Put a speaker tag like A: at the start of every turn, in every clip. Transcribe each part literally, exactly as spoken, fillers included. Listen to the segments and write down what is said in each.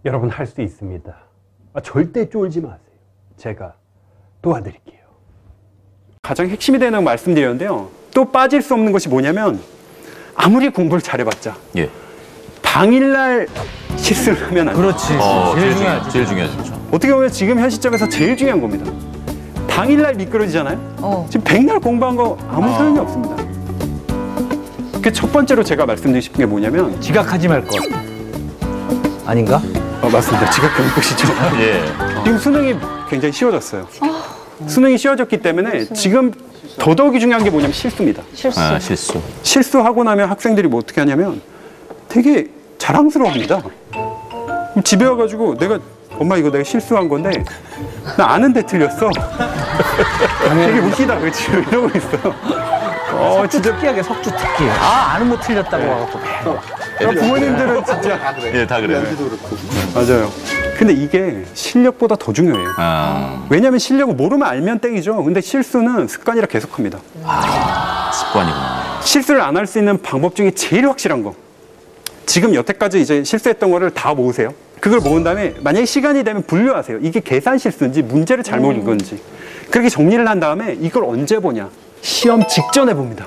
A: 여러분 할 수 있습니다. 아, 절대 쫄지 마세요. 제가 도와드릴게요. 가장 핵심이 되는 말씀드렸는데요. 또 빠질 수 없는 것이 뭐냐면 아무리 공부를 잘해봤자
B: 예.
A: 당일날 실수를 하면 안 돼요.
C: 그렇지.
B: 어,
C: 제일
B: 제일
C: 중요하지.
B: 중요하죠. 제일 중요하죠.
A: 어떻게 보면 지금 현 시점에서 제일 중요한 겁니다. 당일날 미끄러지잖아요.
D: 어.
A: 지금 백날 공부한 거 아무 소용이 없습니다. 그 첫 번째로 제가 말씀드리고 싶은 게 뭐냐면
C: 지각하지 말 것. 아닌가?
A: 어, 맞습니다. 지각하는 것이죠.
B: 예.
A: 지금 수능이 굉장히 쉬워졌어요. 수능이 쉬워졌기 때문에 지금 더더욱이 중요한 게 뭐냐면 실수입니다.
D: 실수.
B: 아, 실수.
A: 실수하고 나면 학생들이 뭐 어떻게 하냐면 되게 자랑스러워합니다. 집에 와가지고 내가 엄마 이거 내가 실수한 건데 나 아는데 틀렸어. 되게 웃기다 그치 이러고 있어. 어
C: 석주
A: 진짜
C: 특기하게 석주 특기. 아 아는 뭐 틀렸다고 와갖고.
A: 그러니까 부모님들은 진짜
B: 예, 다 그래요.
A: 맞아요. 근데 이게 실력보다 더 중요해요.
B: 아,
A: 왜냐하면 실력은 모르면 알면 땡이죠. 근데 실수는 습관이라 계속합니다.
B: 습관이구나.
A: 실수를 안 할 수 있는 방법 중에 제일 확실한 거. 지금 여태까지 이제 실수했던 거를 다 모으세요. 그걸 모은 다음에 만약에 시간이 되면 분류하세요. 이게 계산 실수인지 문제를 잘못 읽은 건지. 그렇게 정리를 한 다음에 이걸 언제 보냐. 시험 직전에 봅니다.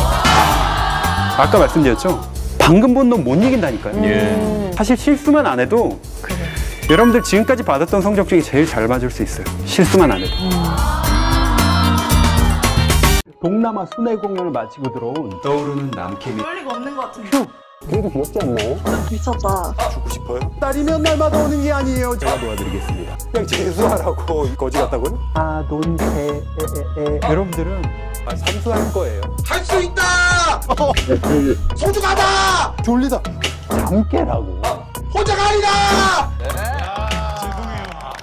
A: 아까 말씀드렸죠. 방금 본 놈 못 이긴다니까요.
B: 예.
A: 사실 실수만 안 해도 여러분들 지금까지 받았던 성적 중에 제일 잘 맞을 수 있어요. 실수만 안 해도. 동남아 순회 공연을 마치고 들어온 떠오르는 남캠이
E: 그럴 리가 없는 것 같은데.
A: 그래도 귀엽지 않나요?
E: 미쳤다.
A: 죽고 싶어요? 딸이면 날마다 오는 게 아니에요. 제가 도와드리겠습니다. 그냥 재수하라고 거지 같다고요? 아돈케에 여러분들은 삼수할 거예요.
F: 할 수 있다! 소중하다!
A: 졸리다. 잠 깨라고.
F: 혼자가 아니다!